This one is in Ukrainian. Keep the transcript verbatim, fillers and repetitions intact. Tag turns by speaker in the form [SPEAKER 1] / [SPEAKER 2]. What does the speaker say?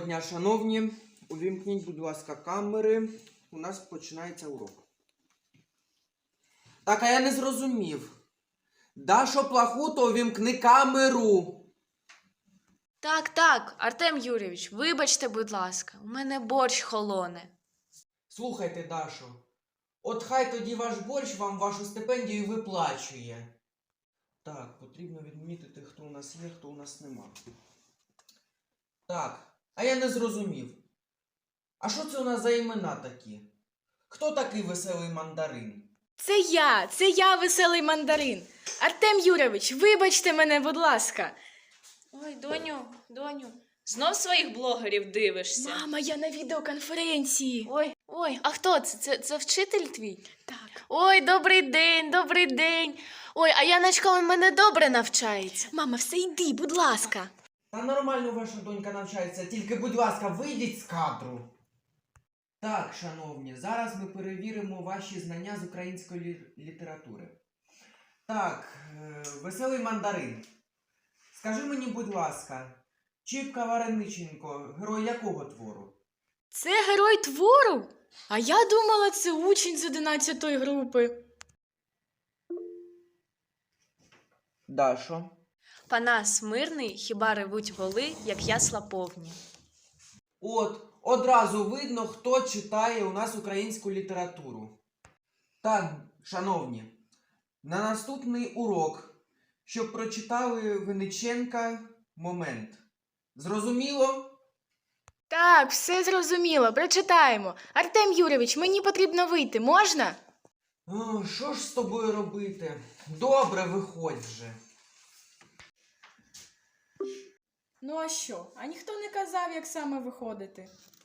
[SPEAKER 1] дня, шановні. Увімкніть, будь ласка, камери. У нас починається урок. Так, а я не зрозумів. Дашо Плахуто, увімкни камеру.
[SPEAKER 2] Так, так, Артем Юрійович, вибачте, будь ласка, у мене борщ холоне.
[SPEAKER 1] Слухайте, Дашо, от хай тоді ваш борщ вам вашу стипендію виплачує. Так, потрібно відмітити, хто у нас є, хто у нас нема. Так, а я не зрозумів. А що це у нас за імена такі? Хто такий веселий мандарин?
[SPEAKER 2] Це я, це я, веселий мандарин. Артем Юрійович, вибачте мене, будь ласка. Ой, доню, доню, знов своїх блогерів дивишся? Мама, я на відеоконференції. Ой, ой, а хто це? Це, це вчитель твій? Так. Ой, добрий день, добрий день. Ой, а Яночка у мене добре навчається. Мама, все йди, будь ласка.
[SPEAKER 1] Та нормально ваша донька навчається, тільки, будь ласка, вийдіть з кадру. Так, шановні, зараз ми перевіримо ваші знання з української лі- літератури. Так, е, веселий мандарин. Скажи мені, будь ласка, Чіпка Варениченко, герой якого твору?
[SPEAKER 2] Це герой твору? А я думала, це учень з одинадцятої групи.
[SPEAKER 1] Дашо.
[SPEAKER 2] Панас мирний, хіба ревуть воли, як ясла повні.
[SPEAKER 1] От, одразу видно, хто читає у нас українську літературу. Так, шановні, на наступний урок, щоб прочитали Винниченка «Момент». Зрозуміло?
[SPEAKER 2] Так, все зрозуміло, прочитаємо. Артем Юрійович, мені потрібно вийти, можна?
[SPEAKER 1] О, що ж з тобою робити? Добре, виходь вже.
[SPEAKER 3] Ну а що? А ніхто не казав, як саме виходити?